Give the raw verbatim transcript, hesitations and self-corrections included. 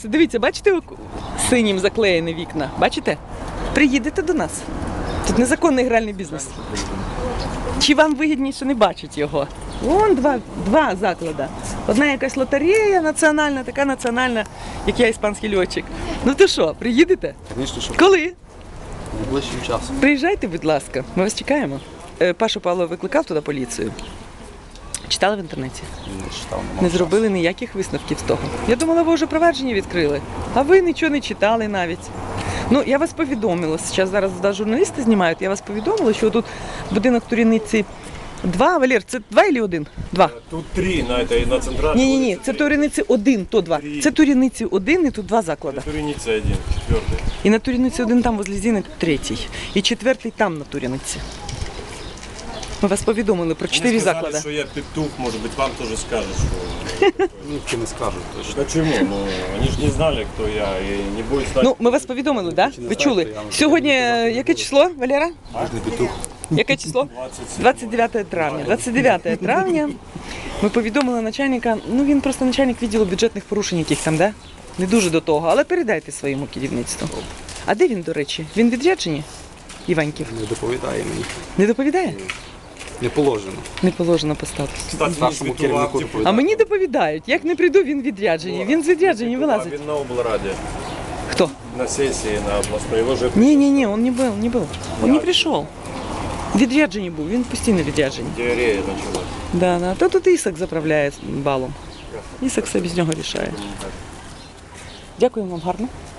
Дивіться, бачите, синім заклеєні вікна? Бачите? Приїдете до нас. Тут незаконний гральний бізнес. Чи вам вигідніше не бачить його? Вон два, два заклади. Одна якась лотерея національна, така національна, як я іспанський льотчик. Ну то що, приїдете? Звісно, що Коли? найближчим часом. Приїжджайте, будь ласка, ми вас чекаємо. Е, Пашу Павлова викликав туди поліцію. Читали в інтернеті? Не читав, Не зробили ніяких висновків з того. Я думала, ви вже провадження відкрили, а ви нічого не читали навіть. Ну, я вас повідомила, зараз зараз да, журналісти знімають, я вас повідомила, що тут будинок Туряниці два, Валер, це два чи один? Два. Тут три на этой, на центральной. Ні, ні, ні, це Туряниці один, то два. Це Туряниці один і тут два заклади. Туряница один, четвертый. І на Туряниці один там возле Зіни третій. І четвертий там на Туряниці. Ми вас повідомили про чотири Они сказали, заклади. что я петух, может быть, вам тоже скажут, что... Ніхто не скажуть точно. Почему? Ну, они же не знали, кто я, и не будет знать. Ну, ми вас повідомили, так? Да? Ви чули? Сьогодні е, яке число, Валера? Можна петух. Яке число? двадцять дев'яте травня. двадцять дев'яте травня ми повідомили начальника, ну він просто начальник відділу бюджетних порушень яких там, да? Не дуже до того, але передайте своєму керівництву. А де він, до речі? Він відряджені? Іваньків? Не доповідає мені. Не доповідає? Не положено. Не положено по статусу. Кстати, Нашому не петух, керівнику а доповідає. А мені доповідають, як не прийду, він відряджені. Він з відряджені вилазить. Він на облраді, Хто? на сессии, на областной. Его же... Ні-ні-ні, він не був, не був. Він не прийшов. Відряджені був, він постійно відряджені. Диарея началась. Да, да. Та тут Ісак заправляє балом. Ісак все без нього рішає. Дякую вам гарно.